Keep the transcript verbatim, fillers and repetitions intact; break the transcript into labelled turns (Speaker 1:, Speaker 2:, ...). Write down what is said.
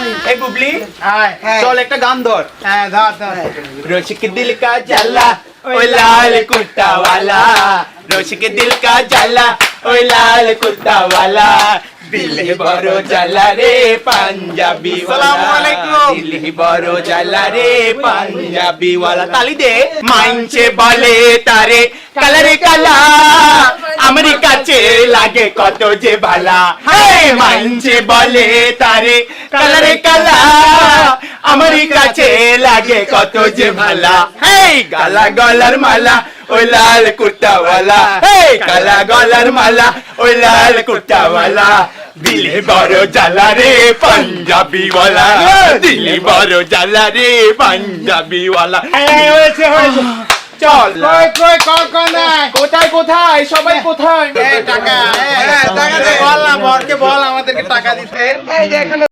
Speaker 1: এই বুবলি
Speaker 2: আয়
Speaker 1: চল একটা গান ধর।
Speaker 2: হ্যাঁ ধর ধর
Speaker 1: रोशिक दिल का जाला ओए लाल कुर्ता वाला, रोशिक दिल का जाला ओए लाल कुर्ता वाला, दिल ही बड़ो जाला रे पंजाबी वाला,
Speaker 2: अस्सलामुअलैकुम।
Speaker 1: दिल ही बड़ो जाला रे पंजाबी वाला। ताली दे। माइंचे बोले तारे কালারে কালা আমার কাছে লাগে কত যে ভালা, হে মানছে বলে তারে কালারে কালা আমার কাছে লাগে কত যে ভালা, হে কালা গলার মালা ওই লাল কুর্তাওয়ালা, হে কালা গলার মালা ওই লাল কুর্তাওয়ালা, দিলে বড় জ্বালা রে পাঞ্জাবি ওয়ালা, দিলে বড় জ্বালা রে পাঞ্জাবি ওয়ালা।
Speaker 2: হয়েছে হয়েছে
Speaker 1: চল
Speaker 2: কই কই কল কল নাই
Speaker 1: কোথায় কোথায় সবাই কোথায়?
Speaker 2: টাকা টাকা দে বল না বরকে বল আমাদেরকে টাকা দিতে এই যে এখানে